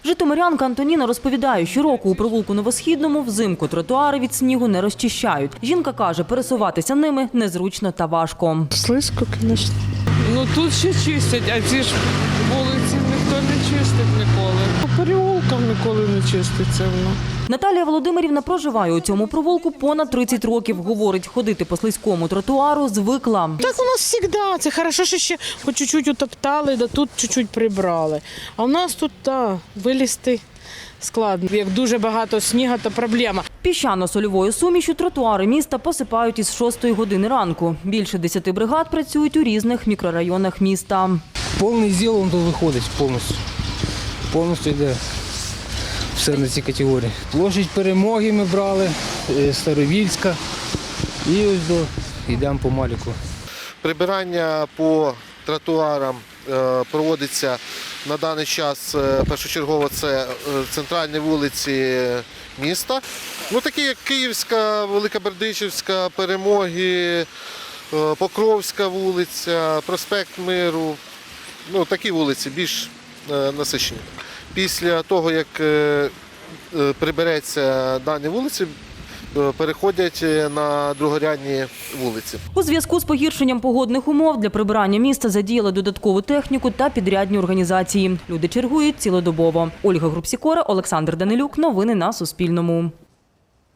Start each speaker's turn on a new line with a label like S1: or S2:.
S1: Житомирянка Антоніна розповідає, щороку у провулку Новосхідному взимку тротуари від снігу не розчищають. Жінка каже, пересуватися ними незручно та важко.
S2: Слизько, звісно.
S3: Ну тут ще чистять, а ці ж вулиці ніхто не чистить ніколи. По переулкам ніколи не чиститься воно.
S1: Наталія Володимирівна проживає у цьому провулку понад 30 років. Говорить, ходити по слизькому тротуару звикла.
S2: Так у нас завжди. Це хорошо, що ще хоч чуть-чуть утоптали, да тут чуть-чуть прибрали. А у нас тут, вилізти складно. Як дуже багато снігу, то проблема.
S1: Піщано-сольовою сумішю тротуари міста посипають із 6 години ранку. Більше 10 бригад працюють у різних мікрорайонах міста.
S4: Повний зіл він тут виходить повністю. Повністю йде все на ці категорії. Площадь Перемоги ми брали, Старовільська і ось йдемо по Маліку.
S5: Прибирання по тротуарам проводиться на даний час першочергово це центральні вулиці міста. Ну, такі як Київська, Великобердичівська, Перемоги, Покровська вулиця, Проспект Миру. Ну, такі вулиці більш насичені. Після того, як прибереться дані вулиці, переходять на другорядні вулиці.
S1: У зв'язку з погіршенням погодних умов для прибирання міста задіяли додаткову техніку та підрядні організації. Люди чергують цілодобово. Ольга Групсікора, Олександр Данилюк. Новини на Суспільному.